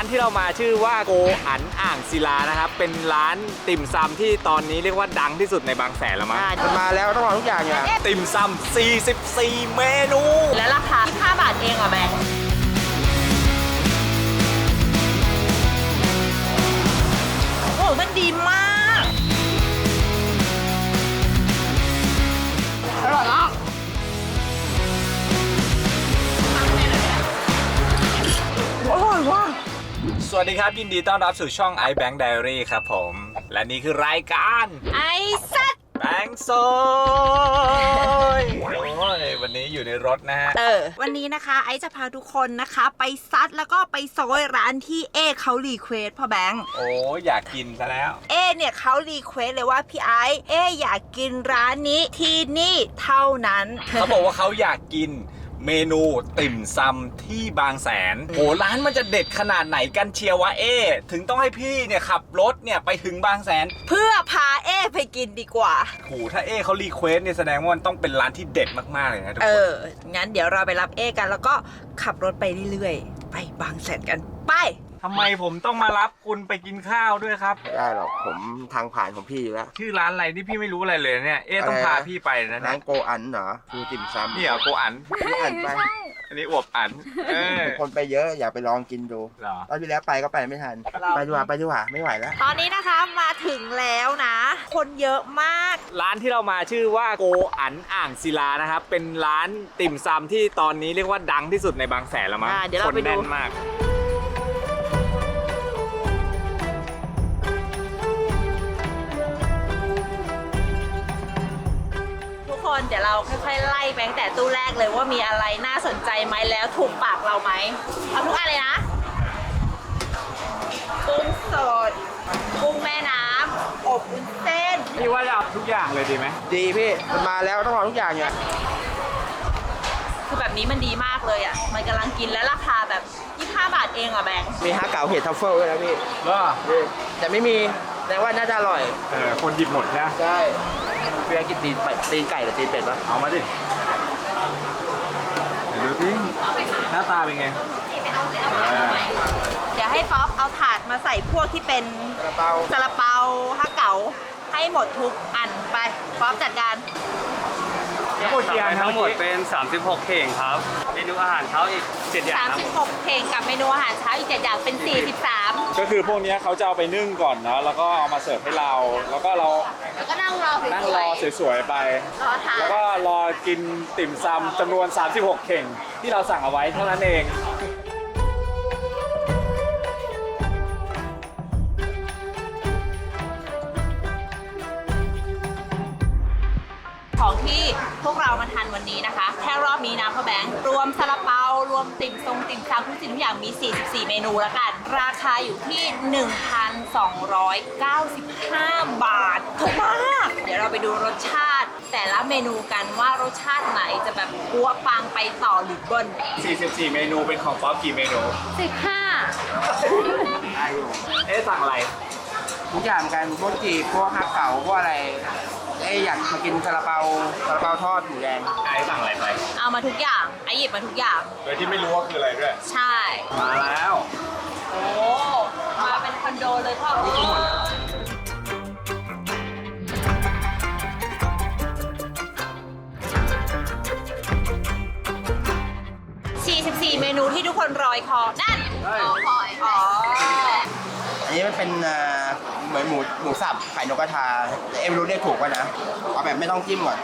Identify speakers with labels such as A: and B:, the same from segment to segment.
A: ที่เรามาชื่อว่าโกอันอ่างศิลานะครับเป็นร้านติ่มซำที่ตอนนี้เรียกว่าดังที่สุดในบางแสนแล้วมั้ง
B: มันมาแล้วต้องลองทุกอย่างอย่าง
A: ติ่มซำ44 เมนู
C: และราคา5 บาทเองเหรอแบงค์โอ้มันดีมากอร่อยมากอร่อยว่ะ
A: สวัสดีครับยินดีต้อนรับสู่ช่อง iBank Diary ครับผมและนี่คือรายการ
C: ไอ้สัตว์
A: แบงค์ซอยโอ้ยวันนี้อยู่ในรถนะฮะ
C: วันนี้นะคะไอซ์จะพาทุกคนนะคะไปซัดแล้วก็ไปซอยร้านที่เอเขารีเควสพ่อแบงค์
A: โอ้อยากกินซะแล้ว
C: เอเนี่ยเขารีเควสเลยว่าพี่ไอซ์อยากกินร้านนี้ที่นี่เท่านั้น
A: เขาบอกว่าเขาอยากกินเมนูติ่มซำที่บางแสนโหร้านมันจะเด็ดขนาดไหนกันเชียววะถึงต้องให้พี่เนี่ยขับรถเนี่ยไปถึงบางแสน
C: เพื่อพาไปกินดีกว่า
A: โหถ้าเขารีเควสเนี่ยแสดงว่ามันต้องเป็นร้านที่เด็ดมากๆเลยนะทุกคน
C: งั้นเดี๋ยวเราไปรับกันแล้วก็ขับรถไปเรื่อยๆไปบางแสนกันไป
A: ทำไมผมต้องมารับคุณไปกินข้าวด้วยครับ
B: ไม่ได้หรอกผมทางผ่านของพี่อยู่แล้ว
A: ชื่อร้านอะไรนี่พี่ไม่รู้อะไรเลยเนี่ยต้องพาพี่ไปนะ
B: ร้านโกอันเหรอคือติ่มซำ
A: นี่เหรอโกอัน
B: พี่อันไป
A: อันนี้อวบอัน
B: คนไปเยอะอยากไปลองกินดูตอนที่แล้วไปก็ไปไม่ทันไปดีกว่าไม่ไหวแล้ว
C: ตอนนี้นะคะมาถึงแล้วนะ คนเยอะมาก
A: ร้านที่เรามาชื่อว่าโกอันอ่างศิลานะครับเป็นร้านติ่มซำที่ตอนนี้เรียกว่าดังที่สุดในบางแสนแล้วมั้งคนแน่นมาก
C: เดี๋ยวเราค่อยๆไล่ไปตั้งแต่ตู้แรกเลยว่ามีอะไรน่าสนใจไหมแล้วถูกปากเราไหมเอาทุกอันเลยนะกุ้งสดกุ้งแม่น้ำอบวุ้นเส้น
A: พี่ว่าจะเอาทุกอย่างเลยดีไหม
B: ดีพี่มันมาแล้วต้องลองทุกอย่างอย่าง
C: คือแบบนี้มันดีมากเลยอ่ะมันกำลังกินและราคาแบบ25 บาทเองอ่ะแบงค์
B: มีฮะเก๋าเห็ดทัฟเฟิลด้วยนะพี่แต่ไม่มีแต่ว่าน่าจะอร่อย
A: คนหยิบหมดนะ
B: ใช่เพื่อกินตีนไก่หรือตีนเป็ดปะ
A: เอามาดิดูสิหน้าตาเป็นไง
C: เดี๋ยวให้ป๊อปเอาถาดมาใส่พวกที่เป็นซาลาเปาฮะเก๋าให้หมดทุกอันไปป๊อปจัดการ
D: ทั้งหมดเป็น36เข่งครับเมนูอาหารเช้าอีก7อย่างครับ
C: 36เข่งกับเมนูอาหารเช้าอีก7อย่างเป็น43
A: ก็คือพวกนี้เขาจะเอาไปนึ่งก่อนเนาะแล้วก็เอามาเสิร์ฟให้เราแล้วก็
C: นั่งรอ
A: สวยๆไปแล้วก็รอกินติ่มซำจำนวน36เข่งที่เราสั่งเอาไว้เท่านั้นเอง
C: ของที่พวกเรามาทานวันนี้นะคะแค่รอบนี้นะพ่อแบงค์รวมซาลาเปารวมติ่มซำทุกสิ่งทุกอย่างมี44เมนูแล้วกันราคาอยู่ที่ 1,295 บาทถูกมากเดี๋ยวเราไปดูรสชาติแต่ละเมนูกันว่ารสชาติไหนจะแบบปัวปังไปต่อหรือเบิ้ล
A: 44เมนูเป็นของป๊อปกี่เมนู
C: 15
A: สั่งอะไร
B: ทุกอย่างกันพวกจีบพวกฮะเก๋าพวกอะไรอยากมากินซาลาเปาทอดหมูแดง
A: สั่งอะไรไป
C: เอามาทุกอย่างหยิบมาทุกอย่าง
A: โดยที่ไม่รู้ว่าคืออะไรด้วย
C: ใช่
A: มาแล้ว
C: โอ้มาเป็นคอนโดเลยพ่อ44เมนูที่ทุกคนรอยคอนั่น
B: อันนี้มันเป็นเหมือนหมูสับไข่นกกระทาไม่รู้เรียกถูกป่ะนะเอาแบบไม่ต้องจิ้มก่อน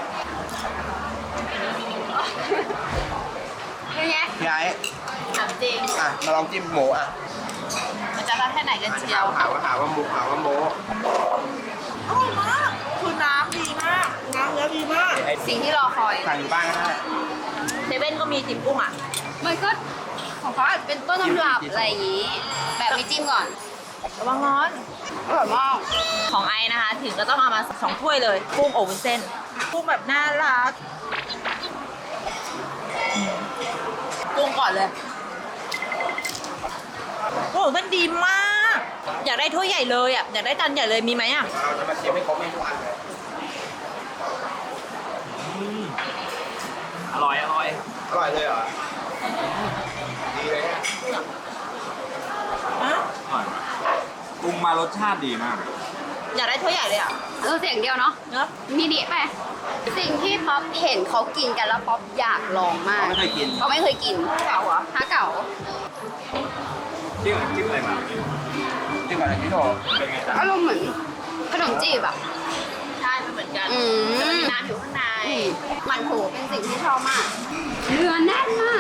C: เป็นไง
B: พี่ไอ้
C: ถามจริง
B: มาลองจิ้มหมู
C: มันจะรักแค่ไหนกันเชียว
B: หาว่าหมูอร่
C: อยมากคือน้ำดีมากน้ำเนื้อดีมากสิ่งที่รอคอย
B: สั่งอยู่บ้านก็ได้
C: เซเว่นก็มีจิ้มกุ้ง
E: มันก็ของเขาอาจจะเป็นต้นตำรับอะไรอย่างนี้แบบไม่จิ้มก่อน
C: ระวังร้อน
E: อร่อยมาก
C: ของไอนะคะถึงก็ต้องเอามา2ถ้วยเลยกุ้งอบวุ้นเส้นกุ้งแบบน่ารักกุ้งก่อนเลยโอ้มันดีมากอยากได้ถ้วยใหญ่เลยอยากได้จานใหญ่เลยมีไหม
B: เราจะมาเชียร์ให้ครบไม่ทุกอันเลย
A: อร่อย
B: เลยเหรอดีเลยฮะ
A: ปรุงมารสชาติดีมาก
C: อยากได้ถ้วยใหญ่เลยอ่ะ
E: เสียงเดียวเนาะ
C: เนอะ
E: มินิไป สิ่งที่ป๊อปเห็นเขากินกันแล้วป๊อปอยากลองมาก
B: ไม่เคยกิน
E: เขาไม่เคยกิน
C: เก่าเหรอ
E: ฮะเก๋า
A: จิ้มอะไรมา
B: จริงก่อนเลยพี่โถ
A: เป็นไงจ๊ะ
E: อารมณ์เหมือนขนมจีบอ่ะ
C: ใช่มันเหมือนกัน
E: อืม
C: แต่มันมีน้ำอยู่ข้างใน
E: มันโถเป็นสิ่งที่ชอบมาก เนื้อแน่นมาก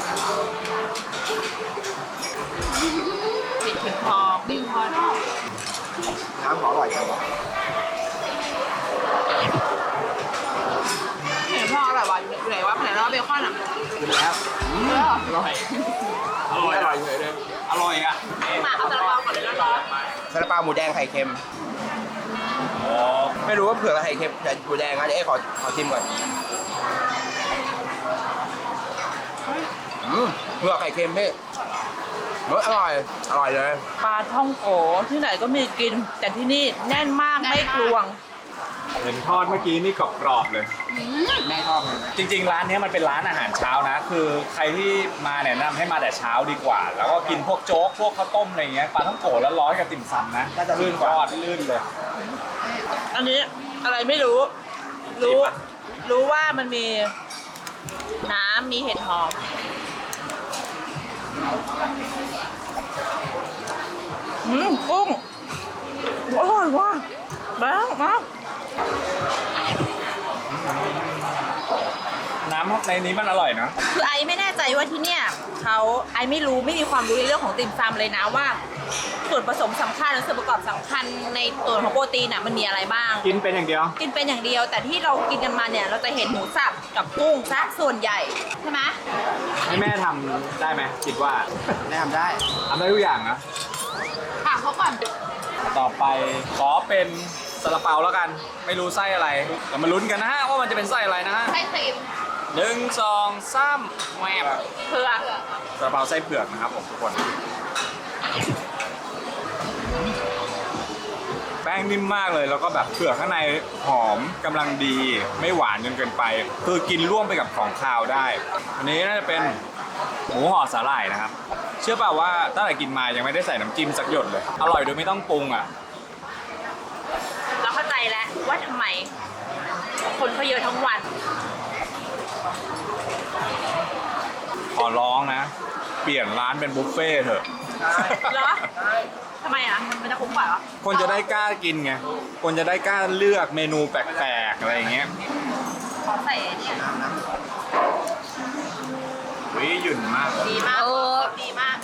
C: ปิดถึงคอบิวคอ
B: น้ำขออร่อยจังวะ
C: เห็นพ่ออร่อยวะอยู่ไหนวะไหนแล้วเบคอนอ่ะ
B: กินแล้วอร่อย
A: อร่อย
B: อร่อยอยู่เลย
A: อร่อยอ่ะ
C: มาเอาซาลาเปาก่อนเลยร้อน
B: ซาลาเปาหมูแดงไข่เค็ม
A: อ๋อ
B: ไม่รู้ว่าเผือกกับไข่เค็มแต่หมูแดงนะเดี๋ยวเอ๊ะขอชิมก่อนเผือกไข่เค็มพี่อร่อยเลย
C: ปลาท่องโกที่ไหนก็มีกิน แต่ที่นี่แน่นมาก
E: แน่นมาก
C: ไม่กลวง
A: เห็นทอดเมื่อกี้นี่กรอบๆเลย
B: แม่ชอบเลย
A: จริงๆ ร้านนี้มันเป็นร้านอาหารเช้านะ คือใครที่มาแนะนำให้มาแต่เช้าดีกว่า แล้วก็กินพวกโจ๊ก พวกข้าวต้มอะไรเงี้ย ปลาท่องโกะแล้วร้อยกับติ่มซำนะก็จะลื่นกว่าลื่นเลย
C: อันนี้อะไรไม่รู้ รู้ว่ามันมีน้ำมีเห็ดหอมกุ้งอร่อยว่ะแบงค์มา
A: น้ำในนี้มันอร่อยนะ
C: คือไอไม่แน่ใจว่าที่เนี่ยไอไม่มีความรู้ในเรื่องของติ่มซำเลยนะว่า ส่วนผสมสำคัญและส่วนประกอบสำคัญในตัวของโปรตีนน่ะมันมีอะไรบ้าง
A: กินเป็นอย่างเดียว
C: กินเป็นอย่างเดียว แต่ที่เรากินกันมาเนี่ยเราจะเห็นหมูสับกับกุ้งซะส่วนใหญ่ใช่ไหม
A: ให้แม่ทำได้ไหมคิดว่า
B: แม่ทำได้
A: ทำได้ทุกอย่างนะ
E: ถามเขาก่อน
A: ต่อไปขอเป็นซาลาเปาแล้วกัน ไม่รู้ไส้อะไรแต่มาลุ้นกันนะฮะว่ามันจะเป็นไส้อะไรนะฮะ
E: ไส้ครีม
A: 1 2 3แหวบ
C: เผือก
A: ซาลาเปาไส้เผือกนะครับผมทุกคน แป้งนิ่มมากเลยแล้วก็แบบเผือกข้างในหอมกำลังดีไม่หวานจนเกินไป คือกินร่วมไปกับของคาวได้ อันนี้น่าจะเป็นหมูห่อสาหร่ายนะครับ เชื่อเปล่าว่าตั้งแต่กินมายังไม่ได้ใส่น้ำจิ้มสักหยดเลย อร่อยโดยไม่ต้องปรุงอ่ะ
C: เราเข้าใจแล้วว่าทำไม คนเขาเยอะทั้งวัน
A: ขอร้องนะ เปลี่ยนร้านเป็นบุฟเฟ่ต์เถอะ
C: เหรอทำไมอ่ะมันจะคุ้มกว่าเหรอ
A: คนจะได้กล้ากินไง คนจะได้กล้าเลือกเมนูแปลกๆอะไรอย่างเงี้ย
C: ขอใส่ไอ้เนี่ย
A: วิหยุ่นมาก
C: ดีมากดีมาก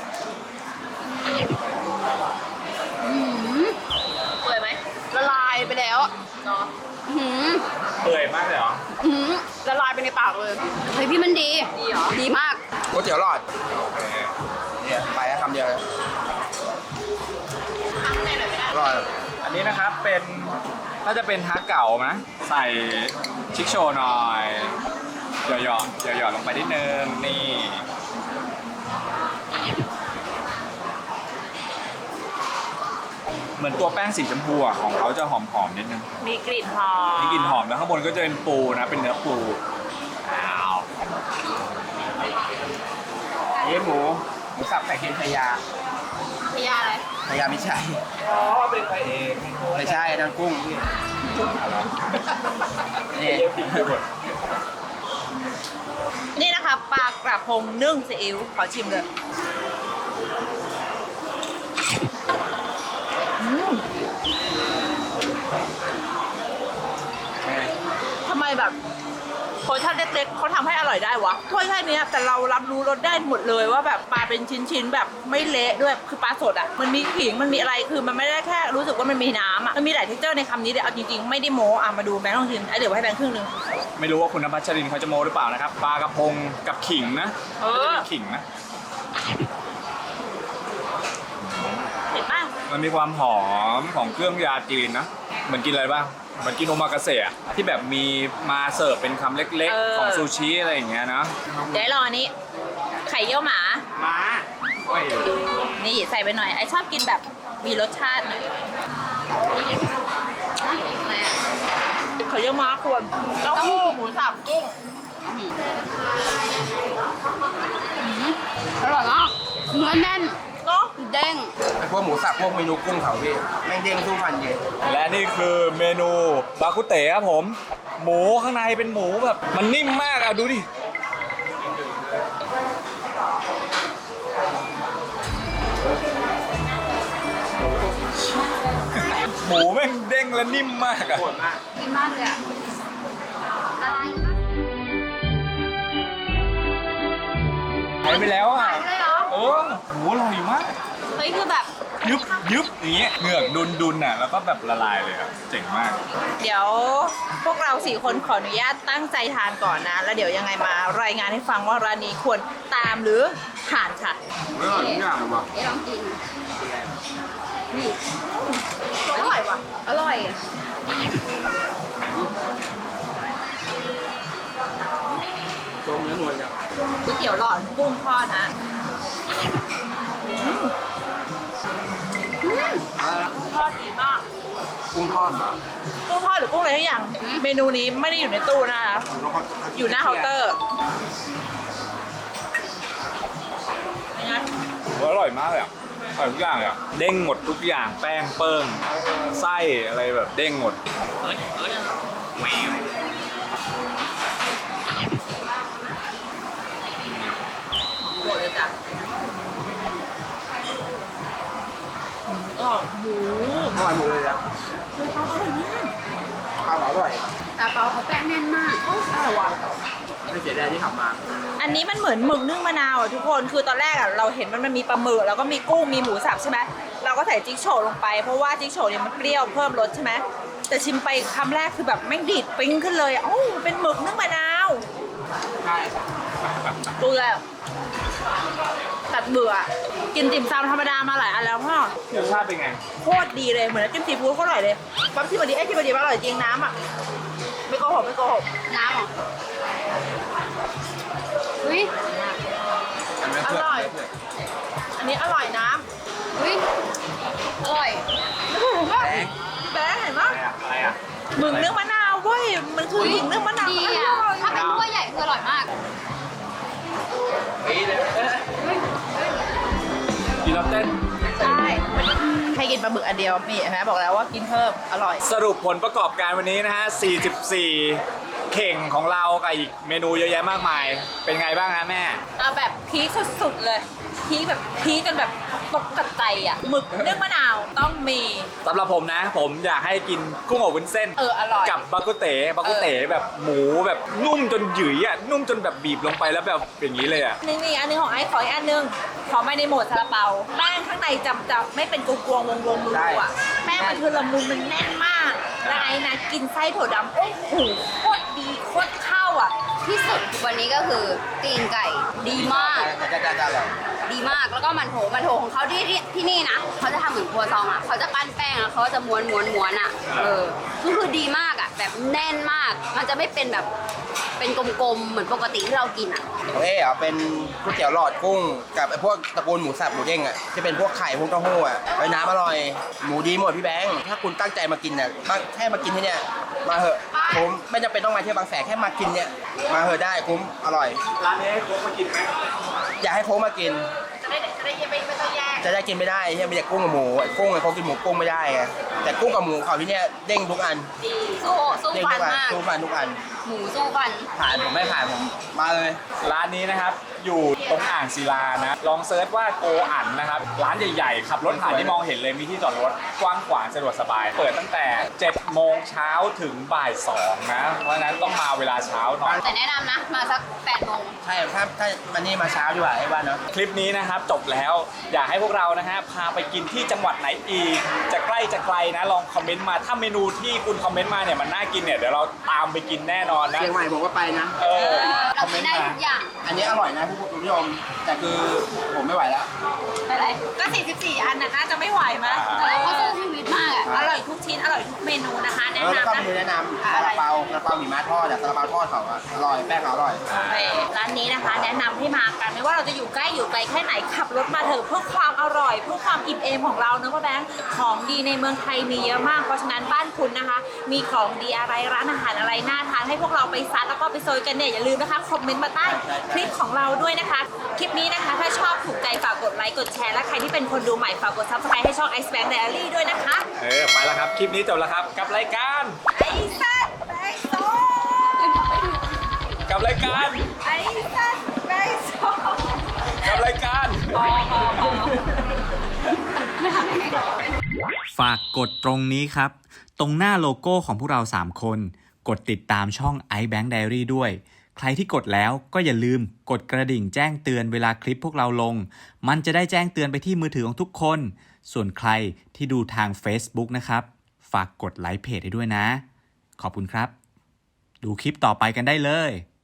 C: เปื่อยไหม
E: ละลายไปแล้ว
C: เนาะ
E: อื้อหือ
A: เปื่อยมากเลยเหรอ
E: อื้อหือละลายไปในปากเลย เฮ้ยพี่มันดี
C: ดีเหรอ
E: ดีมาก
B: ก๋วยเตี๋ยวหลอดเนี่ยไปแล้วคำเดียวเลย
C: ข้างในหน่อยไม่ได้
B: อร่อย
A: อันนี้นะครับเป็นน่าจะเป็นฮักเก่านะใส่ชิคโชว์หน่อยหยอดลงไปนิดนึงนี่เหมือนตัวแป้งสีชมพูอ่ะของเขาจะหอมๆนิดนึง
C: มีกลิ่นหอม
A: มีกลิ่นหอมแล้วข้างบนก็จะเป็นปูนะเป็นเนื้อปูอ้าว
B: นี่หมูสับไข่เค็มชายา
C: พยาอะไร
B: ชายาไม่ใช่
A: อ๋อเป็นพระเอก
B: ไม่ใช่นั่นกุ้งพี่นี่
C: นี่นะคะปลากระพงนึ่งซีอิ๊วขอชิมเลยทำไมแบบโพชั่นเล็กๆเขาทำให้อร่อยได้วะถ้วยแค่เนี้ยแต่เรารับรู้รสได้หมดเลยว่าแบบปลาเป็นชิ้นๆแบบไม่เละด้วยคือปลาสดอ่ะมันมีขิงมันมีอะไรคือมันไม่ได้แค่รู้สึกว่ามันมีน้ำอ่ะมันมีหลายเท็กเจอร์ในคำนี้เดี๋ยวเอาจริงๆไม่ได้โม้อ่ะมาดูแบงค์ลองชิมไอ้เดี๋ยวให้แบงค์ครึ่งนึง
A: ไม่รู้ว่าคุณนภัชรินทร์เขาจะโมหรือเปล่านะครับปลากระพงกับขิงนะ
C: เออ
A: น่าจะเป็นขิงนะ
C: เห็นป่ะ
A: มันมีความหอมของเครื่องยาจีนนะเหมือนกินอะไรบ้างเหมือนกินโอมากาเสะอะที่แบบมีมาเสิร์ฟเป็นคำเล็กๆ ของซูชิอะไรอย่างเงี้ยนะ
C: เดี๋ยวรออันนี้ ไข่เยี่ยวหมา
A: มาโอ้ย
C: นี่ใส่ไปหน่อยไอชอบกินแบบมีรสชาติหน่อยไข่เยี่ยวหมาควรเต้าหู้หมูสับกุ้ง
E: อร่อยมากเนื้อแน่น
C: เนาะ
E: เด้ง
B: อพวกหมูสับพวกเมนูกุ้งเขาพี่แม่งเด้งสู้ฟันเย็น
A: และนี่คือเมนูบาคุเตะครับผม หมูข้างในเป็นหมูแบบมันนิ่มมากอ่ะดูดิ หมูแม่งเด้งและนิ่มมากอ่ะ
E: กินมากเลยอ่ะละลาย
A: หายไปแล้วอ่ะ
E: หายไปเลยเหรอ
A: เออหมูอร่อยมาก
E: เฮ้ยคือแบบ
A: ยึบยึบอย่างเงี้ยเหงือกดุนอ่ะแล้วก็แบบละลายเลยอ่ะเจ๋งมาก
C: เดี๋ยวพวกเรา4คนขออนุญาตตั้งใจทานก่อนนะ แล้วเดี๋ยวยังไงมารายงานให้ฟังว่าร้านนี้ควรตามหรือผ่านค่ะ
B: อร่อยทุกอย่างเลยว่ะ
E: เอ๊ะลองกินนี่
C: อร่อยว่ะ
E: อร่อย
B: ต้มเนื้อนวลจัง
C: ก๋วยเตี๋ยวหลอดกุ้งทอดนะ ทอดดีมาก
B: กุ้งทอดเหรอ
C: กุ้งทอดหรือกุ้งอะไรทุกอย่าง เมนูนี้ไม่ได้อยู่ในตู้นะคะ อยู่หน้าเคาน์เตอร์เป็นไง
A: อร่อยมากเลยอ่ะอร่อยทุกอย่างเลยอ่ะเด้งหมดทุกอย่างแป้งเปิ้งไส้อะไรแบบเด้งหมด
C: หมดเลยจ้ะหมู
B: อร่อยหมดเลยอ่ะข้าวอร่อย
E: ตาเปาเขาแป้งแน่นมาก
C: อร่อยว่ะ
B: ไม่เสียดายที่ขับมา
C: อันนี้มันเหมือนหมึกนึ่งมะนาวอ่ะทุกคน คือตอนแรกอ่ะเราเห็นมันมีปลาหมึกแล้วก็มีกุ้งมีหมูสับใช่ไหมเราก็ใส่จิ๊กโฉวลงไปเพราะว่าจิ๊กโฉวเนี่ยมันเปรี้ยวเพิ่มรสใช่ไหมแต่ชิมไปคำแรกคือแบบแม่งดีดปิ้งขึ้นเลยโอ้าเป็นหมึกนึ่งมะนาว
B: ใช่
C: ดูเลยตัดเบื่อ กินติ่มซำธรรมดามาหลายอันแล้วพ่อ
A: รสชาติเป็นไง
C: โคตรดีเลยเหมือนน้ำจิ้มซีฟู้ดโคตรอร่อยเลยปั๊มที่บดีที่บดีอร่อยจริงน้ำอ่ะไม่โกหกไม่โกหก
E: น้ำเหรออุ้ย
C: อร่อย อันนี้อร่อยน้
E: อุ้ยอร่อย
C: ำแบงค์เห็นปะ
A: อะไรอ่ะ
C: หมึกนึ่งมะนาวเว้ยมันคือหมึกนึ่งมะนาว
E: ดี
C: อ
E: อ่ะ
C: ร่อย
E: ถ้าเป็นถ้วยใหญ่คืออร่อยมาก
B: ปีเลย
A: กินแล้วเต้น
C: ใช่ให้กินปลาหมึกอันเดียวนี่เห็นไหมบอกแล้วว่ากินเพิ่มอร่อย
A: สรุปผลประกอบการวันนี้นะฮะ 44 เข่งของเรากับอีกเมนูเยอะแยะมากมาย เป็นไงบ้างฮะแม่
C: เอาแบบพีคสุดๆเลยพีคแบบพีคจนแบบตกกระใจอ่ะหมึกนึ่งมะนาวต้องมี
A: สำหรับผมนะ ผมอยากให้กินกุ้งอบวุ้นเส้น
C: อร่อย
A: กับบากุเต๋แบบหมูแบบนุ่มจนหยุ่ยอ่ะ นุ่มจนแบบบีบลงไปแล้วแบบอย่างนี้เลยอ่ะ
C: นึงนี่อันนึงของไอ้ขออีกอันนึงขอมาในโหมดซาลาเปาแป้งข้างในจะไม่เป็นกลวงๆวงๆรูๆอ่ะแป้งมันคือละมุนมันแน่นมากแล้วไอ้นะกินไส้ถั่วดำโอ้โหโคตรดีโคตรเข้าอ่ะ
E: ที่สุดวันนี้ก็คือตีนไก่ดีมาก
B: จะอร่อย
E: ดีมากแล้วก็มันโถของเขาที่นี่นะเขาจะทำเหมือนครัวซองอ่ะเขาจะปั้นแป้งแล้วเขาจะม้วนอ่ะคือดีมากอ่ะแบบแน่นมากมันจะไม่เป็นแบบเป็นกลมๆเหมือนปกติที่เรากินอ่ะ
B: ของเอ๋อ่ะเป็นก๋วยเตี๋ยวหลอดกุ้งกับไอ้พวกตระกูลหมูสับหมูเด้งอ่ะที่เป็นพวกไข่พวกเต้าหู้อ่ะไอ้น้ำอร่อยหมูดีหมดพี่แบงค์ถ้าคุณตั้งใจมากินเนี่ยแค่มากินที่เนี่ยมาเหอะผมไม่จำเป็นต้องมาเที่ยวบางแสนแค่มากินเนี่ยมาเหอะได้คุ้มอร่อย
A: ร้านนี้ให้โค้กมากินไหม
B: อยากให้โค้งมากิน
C: จะได้ไม่ต้องแยก
B: จะได้กินไม่ได้ที่มีแต่กุ้งกับหมูไอ้กุ้งไอ้เขากินหมูกุ้งไม่ได้ไงแต่กุ้งกับหมูเขาที่เนี่ยเด้งทุกอัน
E: สู้
B: เด้ง
E: ฟั
B: ทุ
E: น
B: กอัน
E: มาก
B: สู้ฟันทุกอัน
E: หมูสู้ฟัน
B: ผ่านผมไม่ผ่านผมมาเลย
A: ร้านนี้นะครับ อยู่ตรงอ่างศิลานะ ลองเซิร์ชว่าโกอันนะครับ ร้านใหญ่ๆ ขับรถผ่านที่มองเห็นเลย มีที่จอดรถกว้างขวางสะดวกสบาย เปิดตั้งแต่ 7 โมงเช้าถึงบ่าย 2 นะ เพราะฉะนั้นต้องมาเวลาเช้าหน่อย
E: แต่แนะนำนะมาสัก8 โมง
B: ใช่ถ้าวันนี้มาเช้าดีกว่าไอ้บ้านเนาะ
A: คลิปนี้นะครับจบแล้วอยากให้พวกเรานะฮะพาไปกินที่จังหวัดไหนอีก จะใกล้จะไกลนะลองคอมเมนต์มาถ้าเมนูที่คุณคอมเมนต์มาเนี่ยมันน่ากินเนี่ยเดี๋ยวเราตามไปกินแน่นอนนะ
B: เชียงใหม่ผมก็ไปนะ
A: เออค
E: เรา
A: อมเม
E: กิ
B: Ờ,
A: นต์
E: นได้
A: มา
E: ทุกอย่าง
B: อันนี้อร่อยนะผู้ชมแต่คือผมไม่ไหวแล้ว
E: อะไร
C: ก็44 อันน่ะน่าจะไม่ไหวมั้ย
E: แต่เราก็สู้ชีวิตมากอ่ะ
C: อร่อยทุกชิ้น อร่อยทุกเมนูนะคะ
E: แนะ
B: แล้วก็
E: นำ
B: เมนู
E: นะ
B: แนะนำซาลาเปาหิมะทอดซาลาเปาทอดเขาอะอร่อยแป้งเขาอร่อย
C: ร้านนี้นะคะแนะนำให้มากันไม่ว่าเราจะอยู่ใกล้อยู่ไกลแค่ไหนขับรถมาเถอะเพื่อความอร่อยเพื่อความอิ่มเอมของเรานะพ่อแบงค์ของดีในเมืองไทยมีเยอะมากเพราะฉะนั้นบ้านคุณนะคะ มีของดีอะไรร้านอาหารอะไรน่าทานให้พวกเราไปซัดแล้วก็ไปโซยกันเนี่ยอย่าลืมนะคะคอมเมนต์มาใต้คลิปของเราด้วยนะคะคลิปนี้นะคะถ้าชอบถูกใจฝากกดไลค์กดแชร์และใครที่เป็นคนดูใหม่ฝากกด Subscribe ให้ช่อง Ice Bank Diary ด้วยนะคะ
A: ไปแล้วครับคลิปนี้จบแล้วครับกับรายการ
C: ไอ้สัตว์ไอ้โซ
A: กับรายการ
C: ไอ้สัตว์ไอ้โซ
A: กับรายการ ฝากกดตรงนี้ครับตรงหน้าโลโก้ของพวกเรา3คนกดติดตามช่อง iBank Diary ด้วยใครที่กดแล้วก็อย่าลืมกดกระดิ่งแจ้งเตือนเวลาคลิปพวกเราลงมันจะได้แจ้งเตือนไปที่มือถือของทุกคนส่วนใครที่ดูทาง Facebook นะครับฝากกดไลค์เพจให้ด้วยนะขอบคุณครับดูคลิปต่อไปกันได้เลย